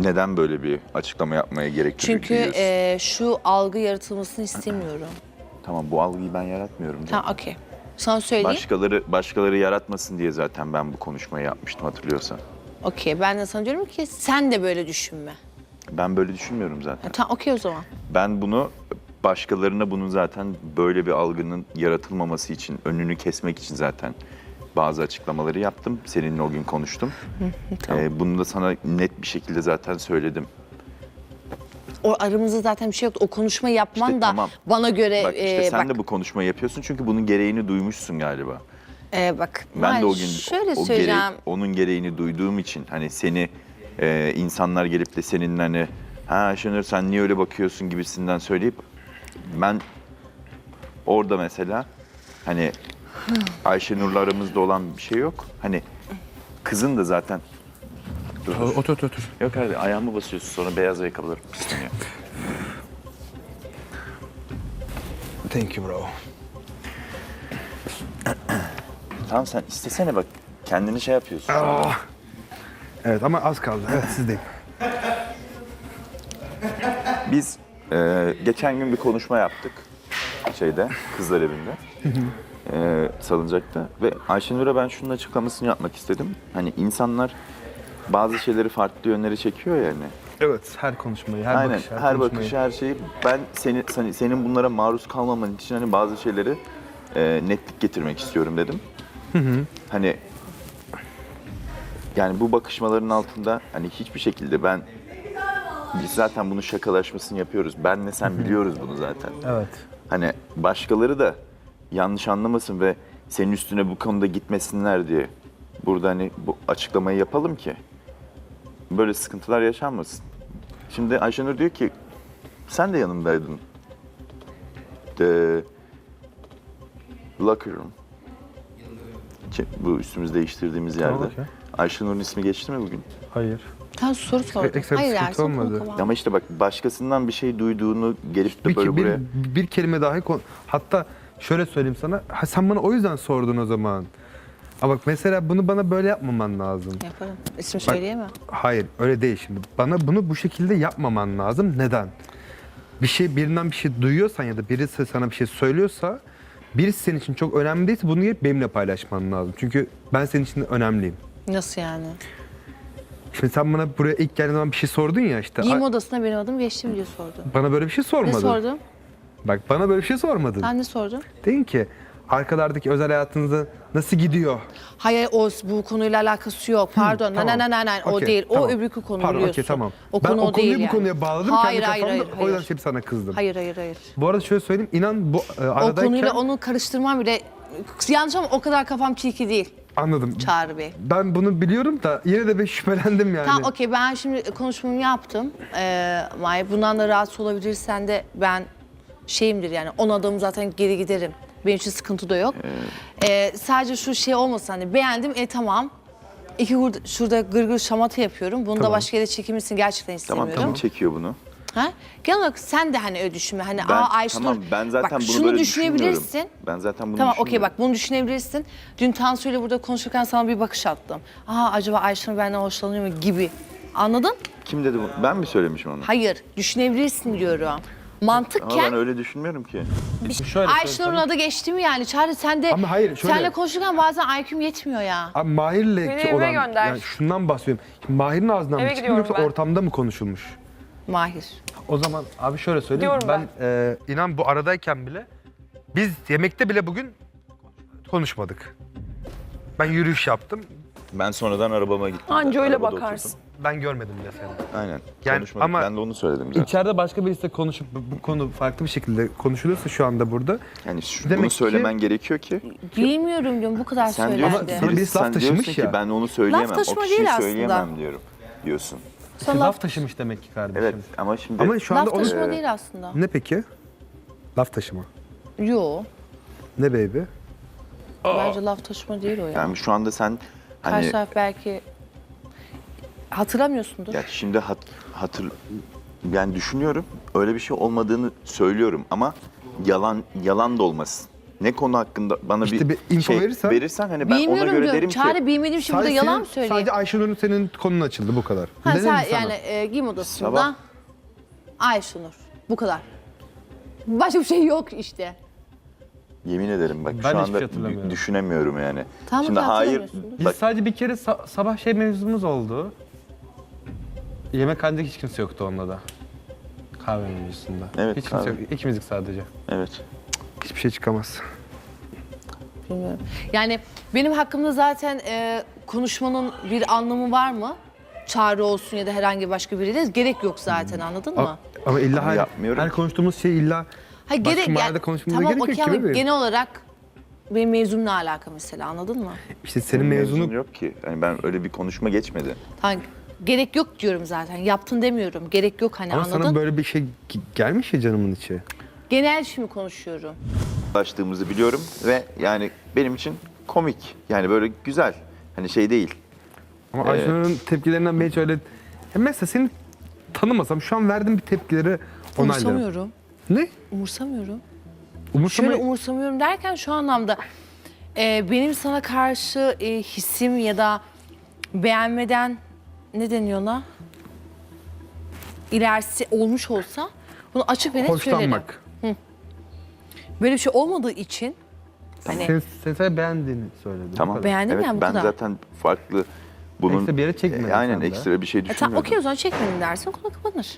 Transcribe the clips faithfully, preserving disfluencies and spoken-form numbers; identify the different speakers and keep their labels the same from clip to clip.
Speaker 1: neden böyle bir açıklama yapmaya gerek
Speaker 2: Çünkü e, şu algı yaratılmasını istemiyorum.
Speaker 1: Tamam, bu algıyı ben yaratmıyorum.
Speaker 2: Tamam, okey. Sana söyleyeyim.
Speaker 1: Başkaları başkaları yaratmasın diye zaten ben bu konuşmayı yapmıştım, hatırlıyorsan.
Speaker 2: Okey, ben de sana diyorum ki sen de böyle düşünme.
Speaker 1: Ben böyle düşünmüyorum zaten.
Speaker 2: Ha, tamam, okey o zaman.
Speaker 1: Ben bunu başkalarına bunun zaten böyle bir algının yaratılmaması için, önünü kesmek için zaten bazı açıklamaları yaptım. Seninle o gün konuştum.
Speaker 2: Tamam.
Speaker 1: Ee, bunu da sana net bir şekilde zaten söyledim.
Speaker 2: O aramızda zaten bir şey yoktu. O konuşmayı yapman
Speaker 1: İşte
Speaker 2: da
Speaker 1: tamam.
Speaker 2: bana göre...
Speaker 1: Bak işte
Speaker 2: e,
Speaker 1: sen
Speaker 2: bak,
Speaker 1: de bu konuşmayı yapıyorsun çünkü bunun gereğini duymuşsun galiba.
Speaker 2: e, bak,
Speaker 1: Ben de o gün
Speaker 2: şöyle
Speaker 1: o
Speaker 2: söyleyeceğim.
Speaker 1: gereği, onun gereğini duyduğum için hani seni e, insanlar gelip de senin hani ha Şenur sen niye öyle bakıyorsun gibisinden söyleyip ben orada mesela hani Ayşenur'la aramızda olan bir şey yok. Hani kızın da zaten dur, dur.
Speaker 3: Otur otur otur.
Speaker 1: Yok abi ayağımı basıyorsun sonra beyaz ayakkabılarım pisleniyor.
Speaker 3: Thank you bro.
Speaker 1: Tamam sen istesene bak kendini şey yapıyorsun.
Speaker 3: Ah. Evet ama az kaldı. Evet sizdeyim.
Speaker 1: Biz e, geçen gün bir konuşma yaptık şeyde kızlar evinde. e, salıncakta ve Ayşenur'a ben şunun açıklamasını yapmak istedim. Hani insanlar bazı şeyleri farklı yönlere çekiyor ya hani.
Speaker 3: Evet her konuşmayı, her
Speaker 1: Aynen
Speaker 3: bakış, her,
Speaker 1: her
Speaker 3: konuşmayı.
Speaker 1: bakışı her şeyi ben seni, seni senin bunlara maruz kalmaman için hani bazı şeyleri e, netlik getirmek istiyorum dedim. Hani yani bu bakışmaların altında hani hiçbir şekilde ben biz zaten bunu şakalaşmasını yapıyoruz. Benle sen biliyoruz bunu zaten.
Speaker 3: Evet.
Speaker 1: Hani başkaları da yanlış anlamasın ve senin üstüne bu konuda gitmesinler diye burada hani bu açıklamayı yapalım ki böyle sıkıntılar yaşanmasın. Şimdi Ayşenur diyor ki sen de yanımdaydın. The locker room. Ki Bu üstümüzü değiştirdiğimiz yerde.
Speaker 3: Tamam, okey.
Speaker 1: Ayşenur'un ismi geçti mi bugün?
Speaker 3: Hayır.
Speaker 2: Sen soru sordun.
Speaker 3: ekstra bir
Speaker 2: Hayır
Speaker 3: sıkıntı
Speaker 2: yani son konu
Speaker 3: olmadı.
Speaker 2: kapalı.
Speaker 1: Ama işte bak başkasından bir şey duyduğunu gelip de
Speaker 3: Bir,
Speaker 1: böyle
Speaker 3: bir,
Speaker 1: buraya...
Speaker 3: bir kelime dahi kon- hatta şöyle söyleyeyim sana. Ha, sen bana o yüzden sordun o zaman. Ama bak mesela bunu bana böyle yapmaman lazım.
Speaker 2: Yaparım. İsim söyleyemem.
Speaker 3: Hayır öyle değil şimdi. Bana bunu bu şekilde yapmaman lazım. Neden? Bir şey birinden bir şey duyuyorsan ya da birisi sana bir şey söylüyorsa birisi senin için çok önemli değilse bunu gelip benimle paylaşman lazım. Çünkü ben senin için önemliyim.
Speaker 2: Nasıl yani?
Speaker 3: Şimdi sen bana buraya ilk geldiğin zaman bir şey sordun ya işte.
Speaker 2: Giyim
Speaker 3: "Ay,
Speaker 2: odasına benim adım geçti mi diye sordun.
Speaker 3: bana böyle bir şey
Speaker 2: Ne
Speaker 3: sormadın.
Speaker 2: sordum?
Speaker 3: Bak bana böyle bir şey sormadın.
Speaker 2: Sen ne sordun?
Speaker 3: Dedin ki arkalardaki özel hayatınızda nasıl gidiyor?
Speaker 2: Hayır o bu konuyla alakası yok. Pardon.
Speaker 3: tamam.
Speaker 2: Nein nein nein nein o
Speaker 3: Okey,
Speaker 2: değil.
Speaker 3: tamam.
Speaker 2: O öbürkü konu
Speaker 3: Pardon,
Speaker 2: biliyorsun.
Speaker 3: okey, tamam.
Speaker 2: O
Speaker 3: Ben
Speaker 2: konu
Speaker 3: o
Speaker 2: o değil
Speaker 3: konuyu bu
Speaker 2: yani.
Speaker 3: konuya bağladım
Speaker 2: Hayır
Speaker 3: kendi
Speaker 2: hayır
Speaker 3: kafamda.
Speaker 2: hayır.
Speaker 3: O yüzden
Speaker 2: hayır.
Speaker 3: hep sana kızdım.
Speaker 2: Hayır hayır hayır.
Speaker 3: Bu arada şöyle söyleyeyim. İnan bu e,
Speaker 2: O
Speaker 3: aradayken...
Speaker 2: konuyla onu karıştırmam bile yanlış ama o kadar kafam çirki değil
Speaker 3: Anladım.
Speaker 2: Çağrı Bey.
Speaker 3: Ben bunu biliyorum da yine de ben şüphelendim yani.
Speaker 2: Tamam okey ben şimdi konuşmamı yaptım. Ee, May bundan da rahatsız olabilirsen de ben şeyimdir yani on adım zaten geri giderim. Benim için sıkıntı da yok. Ee, sadece şu şey olmasın hani beğendim e tamam. İki gur- şurada gırgır şamata yapıyorum. Bunu da
Speaker 3: Tamam.
Speaker 2: başka yere çekilmesini gerçekten
Speaker 1: Tamam
Speaker 2: istemiyorum.
Speaker 1: tamam çekiyor bunu.
Speaker 2: Ha? Genel olarak sen de hani öyle düşünme. Hani
Speaker 1: Ben,
Speaker 2: aa Ayşenur
Speaker 1: tamam ben zaten
Speaker 2: bak,
Speaker 1: bunu
Speaker 2: şunu
Speaker 1: böyle
Speaker 2: düşünebilirsin.
Speaker 1: düşünmüyorum. Ben zaten bunu
Speaker 2: Tamam okey
Speaker 1: düşünmüyorum.
Speaker 2: bak bunu düşünebilirsin. Dün Tansu ile burada konuşurken sana bir bakış attım. Aa acaba Ayşenur benden hoşlanıyor mu gibi. Anladın?
Speaker 1: Kim dedi bunu? Ben mi söylemişim onu?
Speaker 2: Hayır düşünebilirsin diyorum.
Speaker 1: Ama
Speaker 2: Mantıkken
Speaker 1: ben öyle düşünmüyorum ki.
Speaker 3: Şöyle
Speaker 2: Ayşenur'un adı geçti mi yani? Çağrı sen de
Speaker 3: Ama hayır, şöyle.
Speaker 2: senle konuşurken bazen I Q'm yetmiyor ya.
Speaker 3: Abi Mahir'le
Speaker 4: Beni
Speaker 3: ki
Speaker 4: eve
Speaker 3: olan,
Speaker 4: gönder.
Speaker 3: yani şundan bahsediyorum. Şimdi Mahir'in ağzından
Speaker 4: Eve
Speaker 3: mı çıkmış
Speaker 4: gidiyorum
Speaker 3: yoksa
Speaker 4: ben.
Speaker 3: ortamda mı konuşulmuş?
Speaker 2: Mahir.
Speaker 3: O zaman abi şöyle söyleyeyim.
Speaker 4: Gidiyorum
Speaker 3: Ben, e, inan bu aradayken bile biz yemekte bile bugün konuşmadık. Ben yürüyüş yaptım.
Speaker 1: Ben sonradan arabama gittim.
Speaker 4: Anca öyle
Speaker 1: Arabada
Speaker 4: bakarsın.
Speaker 1: oturdum.
Speaker 3: Ben görmedim bile seni.
Speaker 1: Aynen.
Speaker 3: Yani
Speaker 1: Konuşmadık.
Speaker 3: ama-
Speaker 1: Ben de onu söyledim zaten.
Speaker 3: İçeride başka birisiyle konuşup bu, bu konu farklı bir şekilde konuşuluyorsa şu anda burada.
Speaker 1: Yani şu,
Speaker 3: Demek
Speaker 1: bunu
Speaker 3: ki-
Speaker 1: söylemen gerekiyor ki.
Speaker 2: Bilmiyorum diyorum bu kadar
Speaker 1: Sen diyorsun,
Speaker 2: söylendi.
Speaker 3: Sana
Speaker 1: birisi-
Speaker 3: birisi laf
Speaker 1: sen
Speaker 3: taşımış
Speaker 1: diyorsun
Speaker 3: ya.
Speaker 1: ki ben onu söyleyemem.
Speaker 2: Laf taşıma
Speaker 1: o kişiyi
Speaker 2: değil aslında.
Speaker 1: söyleyemem diyorum. Diyorsun.
Speaker 3: İşte laf taşımış demek ki kardeşim.
Speaker 1: Evet ama şimdi...
Speaker 3: Ama şu anda
Speaker 2: Laf
Speaker 3: onu...
Speaker 2: taşıma
Speaker 1: Ee,
Speaker 2: değil aslında.
Speaker 3: Ne peki? Laf taşıma.
Speaker 2: Yo.
Speaker 3: Ne baby?
Speaker 2: Bence laf taşıma değil o ya.
Speaker 1: Yani şu anda sen
Speaker 2: Karşı
Speaker 1: hani...
Speaker 2: taraf belki hatırlamıyorsundur.
Speaker 1: Ya şimdi hat, hatır... Yani düşünüyorum öyle bir şey olmadığını söylüyorum ama yalan yalan da olmasın. Ne konu hakkında bana
Speaker 3: İşte
Speaker 1: bir,
Speaker 3: bir info
Speaker 1: şey
Speaker 3: verirsen-
Speaker 1: verirsen hani ben ona
Speaker 2: Bilmiyorum
Speaker 1: göre
Speaker 2: diyorum.
Speaker 1: derim ki
Speaker 2: Çağrı bilmediğim şey burada
Speaker 3: Sadece
Speaker 2: yalan
Speaker 3: senin-
Speaker 2: mı söyleyeyim?
Speaker 3: Sadece Ayşenur'un senin konun açıldı bu kadar.
Speaker 2: Ha,
Speaker 3: Dedim
Speaker 2: sen,
Speaker 3: mi sana?
Speaker 2: yani e, giyim odasında
Speaker 1: Sabah.
Speaker 2: Ayşenur. Bu kadar. Başka bir şey yok işte.
Speaker 1: yemin ederim bak
Speaker 3: Ben
Speaker 1: şu
Speaker 3: hiçbir
Speaker 1: anda
Speaker 3: şey hatırlamıyorum.
Speaker 1: düşünemiyorum yani.
Speaker 2: Tamam,
Speaker 1: Şimdi hayır
Speaker 2: hatırlamıyorsun.
Speaker 3: Biz
Speaker 1: bak
Speaker 3: sadece bir kere sa- sabah şey mevzumuz oldu. Yemekhanede hiç kimse yoktu onda da. Kahve mevzusunda.
Speaker 1: Evet,
Speaker 3: Hiç kimse
Speaker 1: kahve.
Speaker 3: yok. İkimizdik sadece.
Speaker 1: evet.
Speaker 3: Hiçbir şey çıkamaz.
Speaker 2: Bilmiyorum. Yani benim hakkımda zaten e, konuşmanın bir anlamı var mı? Çağrı olsun ya da herhangi başka biriyle gerek yok zaten, anladın
Speaker 3: Ama,
Speaker 2: mı?
Speaker 3: ama illa
Speaker 1: Ama
Speaker 3: her,
Speaker 1: yapmıyorum
Speaker 3: her
Speaker 1: ki.
Speaker 3: konuştuğumuz şey illa
Speaker 2: Hayır,
Speaker 3: başka
Speaker 2: gerek
Speaker 3: mahallede konuşmamıza
Speaker 2: tamam,
Speaker 3: gerek
Speaker 2: okey
Speaker 3: yok
Speaker 2: ama
Speaker 3: ki bebeğim.
Speaker 2: genel olarak benim mezunumla alaka mesela, anladın mı?
Speaker 3: İşte senin mezunu
Speaker 1: Mezun yok ki. Yani ben öyle bir konuşma geçmedi.
Speaker 2: Hani gerek yok diyorum zaten. Yaptın demiyorum. Gerek yok hani,
Speaker 3: ama
Speaker 2: anladın?
Speaker 3: sana böyle bir şey ge- gelmiş ya canımın içi.
Speaker 2: Genel şimdi konuşuyorum.
Speaker 1: Ulaştığımızı biliyorum ve yani benim için komik. Yani böyle güzel. Hani şey değil.
Speaker 3: Ama
Speaker 1: Evet.
Speaker 3: Ayşenur'un tepkilerinden ben hiç öyle... Ya mesela seni tanımasam şu an verdiğim bir tepkileri onaylarım.
Speaker 2: Umursamıyorum.
Speaker 3: Ne?
Speaker 2: Umursamıyorum.
Speaker 3: Umursama...
Speaker 2: Şöyle umursamıyorum derken şu anlamda e, benim sana karşı e, hissim ya da beğenmeden ne deniyor ona? İlerisi olmuş olsa bunu açık ve net söylerim.
Speaker 3: Hoşlanmak.
Speaker 2: Böyle bir şey olmadığı için hani
Speaker 3: Sen, sen sadece beğendiğini söyledin. bu
Speaker 1: Tamam.
Speaker 3: kadar.
Speaker 2: Beğendim
Speaker 1: evet,
Speaker 2: yani, bu
Speaker 1: ben
Speaker 2: kadar.
Speaker 1: zaten farklı bunun
Speaker 3: Ekstra bir yere çekmedin
Speaker 1: E, aynen
Speaker 3: sen de.
Speaker 1: ekstra bir şey
Speaker 2: e, tamam,
Speaker 1: düşünmüyordum.
Speaker 2: okey o zaman çekmedim dersin, konu kapanır.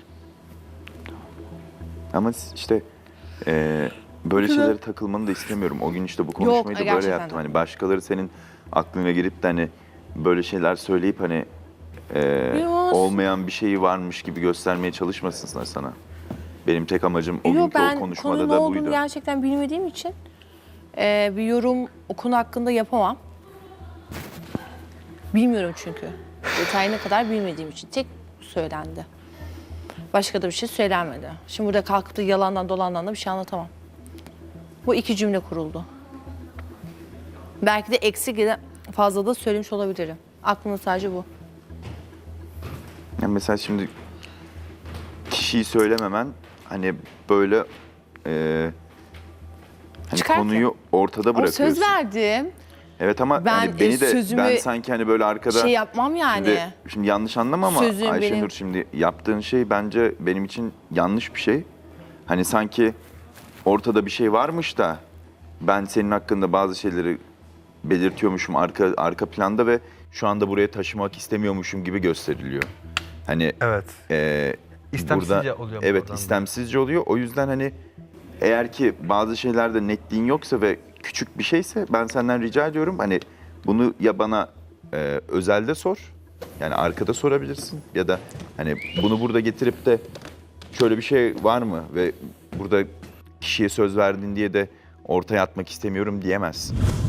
Speaker 1: Ama işte e, böyle şeylere takılmanı da istemiyorum. O gün işte bu konuşmayı da böyle
Speaker 2: gerçekten
Speaker 1: yaptım.
Speaker 2: de.
Speaker 1: Hani başkaları senin aklına girip de hani böyle şeyler söyleyip hani e,
Speaker 2: Yok.
Speaker 1: olmayan bir şeyi varmış gibi göstermeye çalışmasınlar sana. Benim tek amacım o
Speaker 2: Yok,
Speaker 1: günkü o
Speaker 2: ben
Speaker 1: konuşmada
Speaker 2: konunun ne
Speaker 1: da
Speaker 2: olduğunu
Speaker 1: buydu.
Speaker 2: gerçekten bilmediğim için e, bir yorum o konu hakkında yapamam. Bilmiyorum çünkü. Detayına kadar bilmediğim için tek söylendi. Başka da bir şey söylenmedi. Şimdi burada kalkıp da yalandan dolandan da bir şey anlatamam. Bu iki cümle kuruldu. Belki de eksik ya da fazla da söylemiş olabilirim. Aklımda sadece bu.
Speaker 1: Yani mesela şimdi kişiyi söylememen hani böyle e, hani
Speaker 2: Çıkartın.
Speaker 1: konuyu ortada
Speaker 2: Ama
Speaker 1: bırakıyorsun.
Speaker 2: söz verdim.
Speaker 1: Evet ama
Speaker 2: Ben,
Speaker 1: hani beni
Speaker 2: e,
Speaker 1: de
Speaker 2: sözümü
Speaker 1: ben sanki hani böyle arkada
Speaker 2: Şey yapmam yani.
Speaker 1: Şimdi, şimdi yanlış anlama ama
Speaker 2: Sözüm
Speaker 1: Ayşenur
Speaker 2: benim-
Speaker 1: şimdi yaptığın şey bence benim için yanlış bir şey. Hani sanki ortada bir şey varmış da ben senin hakkında bazı şeyleri belirtiyormuşum arka arka planda ve şu anda buraya taşımak istemiyormuşum gibi gösteriliyor. Hani
Speaker 3: Evet.
Speaker 1: e,
Speaker 3: İstemsizce
Speaker 1: burada,
Speaker 3: oluyor bu
Speaker 1: evet
Speaker 3: oradan da.
Speaker 1: istemsizce oluyor. O yüzden hani eğer ki bazı şeylerde netliğin yoksa ve küçük bir şeyse ben senden rica ediyorum hani bunu ya bana e, özelde sor. Yani arkada sorabilirsin ya da hani bunu burada getirip de şöyle bir şey var mı ve burada kişiye söz verdin diye de ortaya atmak istemiyorum diyemezsin.